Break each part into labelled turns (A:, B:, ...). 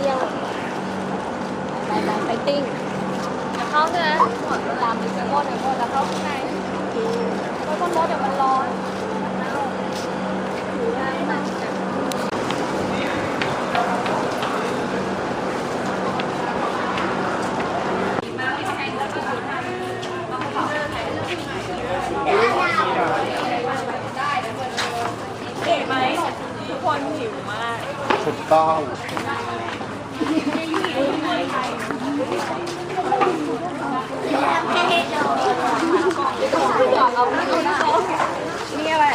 A: ยังไปติ้งจะเข้าใช่ไหมตามดิสโก้เดี๋ยวจะเข้าข้างในเพราะต้นรถเดี๋ยวมันร้อนเก๋ไหมทุกคนหิวมาก
B: ถูกต้อง
A: นี่อะไร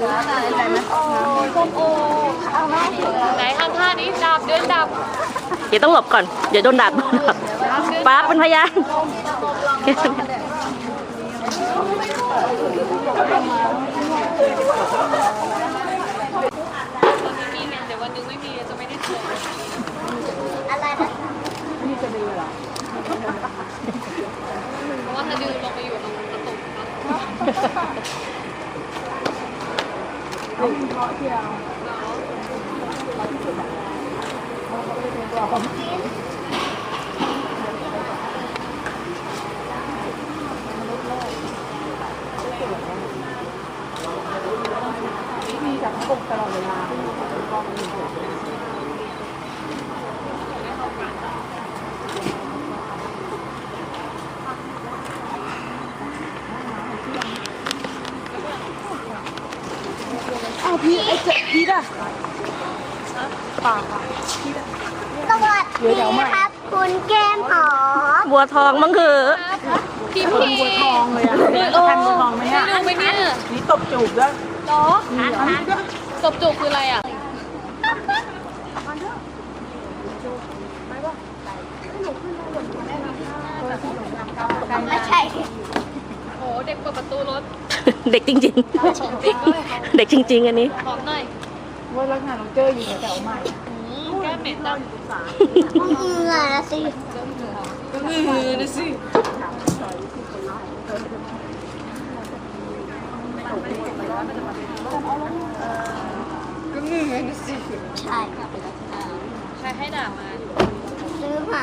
A: ส้มโอเอาไหมไหนทำท่านี้ดับเดินดับ
C: เดี๋ยวต้องหลบก่อนเดี๋ยวโดนดับป้าเป็นพยาน
A: มีเงินเดี๋ยววันนึงไม่มีจะไม่ได้เจออะไรนะนี่จะดื้อเหรอเพราะว่าถ้าดื้อลงไปอยู่ตรงกระตุกเพราะที่เรามีจากกบตลอดเวลาอ้าวพี่ไอ้เจ็บพี่ด่ะป่า
D: สวัสดีครับคุณแก้มหอม
C: บัวทองมั้งคือ
A: พี่บัวทองเลยอ่ะทันบัวทองไหมอ่ะไม่รู้ไหมเนี่ยนี่ตบจูบด้วยหรอตบจูบคืออะไรอ่ะ
D: ไม่ใช่
A: โอ้เด็กเปิดประตูรถ
C: เด็กจริงๆเด็กจริงๆอันนี้
A: หอมหน่อย
E: ว่ารักงานน้องเจออยู่แถวใหม่
A: แก้มเหม็นจัง
D: เหงื่อนะสิ
A: ก็มือนะสิก็มือนะสิ
D: ใช่
A: ใครให้ด่ามา
D: ซื้อมา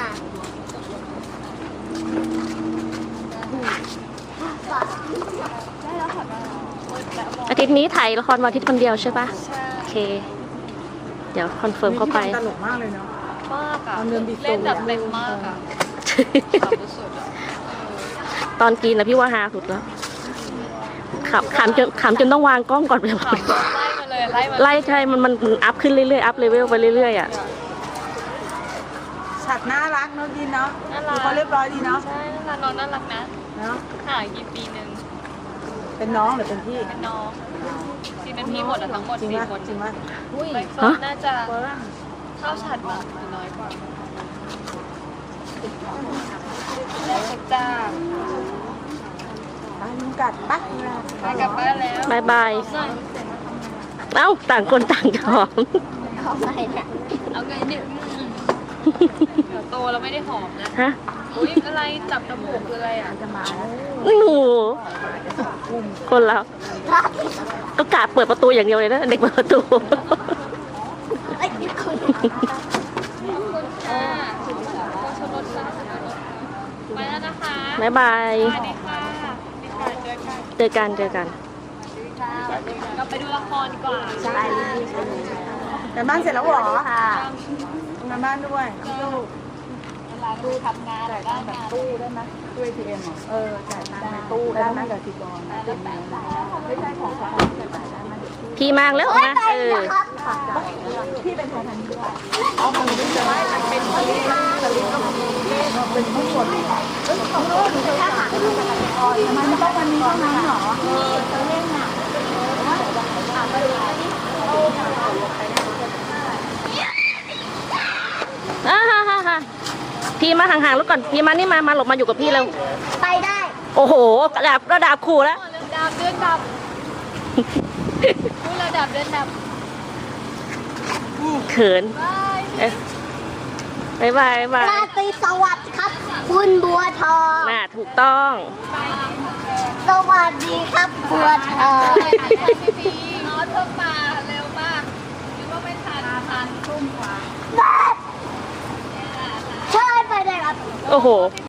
C: อาทิตย์นี้ถ่ายละครวันอาทิตย์คนเดียวใช่ปะโอเคเดี๋ยวคอนเฟิร์มเข้าไป
E: ตลกมากเลยเนาะ
A: มากอะเล่นแบบเต็มมากอะสุดอะ
C: ตอนกินนะพี่ว่าฮาสุดแล้วขำจนต้องวางกล้องก่อนไปเลย
A: ไล่มาเลย
C: ไล่ใช่มันอัพขึ้นเรื่อยๆอัพเลเวลไปเรื่อยๆอ่ะ
E: ฉากน่ารักเนาะดีเนาะเขาเรียบร้อยดีเนาะ
A: ใช่น้องน่ารักนะ
E: เนาะ
A: ห่างกี่ปีนึง
E: เป็นน้องหรือเป็นพี่
A: เป็นน้องที่เป็นพี่หมดอะทั้งหมด4 คน
E: จริงไหม
A: ใบเฟิร์นน่าจะเท่าฉัดมากหรือน้อยกว่าจ้า
E: ลุงกัดปะ
A: ไปกลับบ้านแล้ว
C: บายเอ้าต่างคนต่างหอม
A: เอาไงเนี่ยโตเราไม่ได้หอมนะ
C: ฮะ
A: อุ้ยอะไรจับจมูกคืออะไรอ่ะจะมา
C: แล้วหนูคนเราก็กะเปิดประตูอย่างเดียวเลยนะเด็กเปิดประตู
A: ไปแล้วนะคะ
C: บ๊ายบาย
A: สวัสดีค่ะ
C: เจอกัน
A: เราไปดูละครดีกว่า
D: ใช่
E: แต่บ้านเสร็จแล้วหรอทำบ้านด้วย
A: เวลาดูทำงานได้งาน
E: ตู้ได้ไหมตู้ ATM จ่ายตังค์ในตู้ได้ไหมกับทีกรไม่ใช่ของเขา
C: พี่มากแล้วนะ
E: พี่เป็นคนทันด้วยเอาของพี่จะไม่เป็นสลิปก็เป็นผู้ตรวจเขาเลิกหรือจะหาทำไมมันต้องวันนี้เท่านั้นหรอจะเล่นอ่ะ
C: พี่มาห่างๆแล้วก่อนพี่มานี่มาหลบมาอยู่กับพี่เร็ว
D: ไปได้
C: โอ้โหระดับขู่แล้ว
A: เดินดับพูดระดับเดินดับ
C: เขินบาย
D: ราตรีสวัสดิ์ครับคุณบัวทอง
C: น่าถูกต้อง
D: สวัสดีครับบัวทอง
A: พี่น้องเพิ่งมาเร็วมากคิดว่าไม่ทันทุ่มกว่า
C: โอ้โห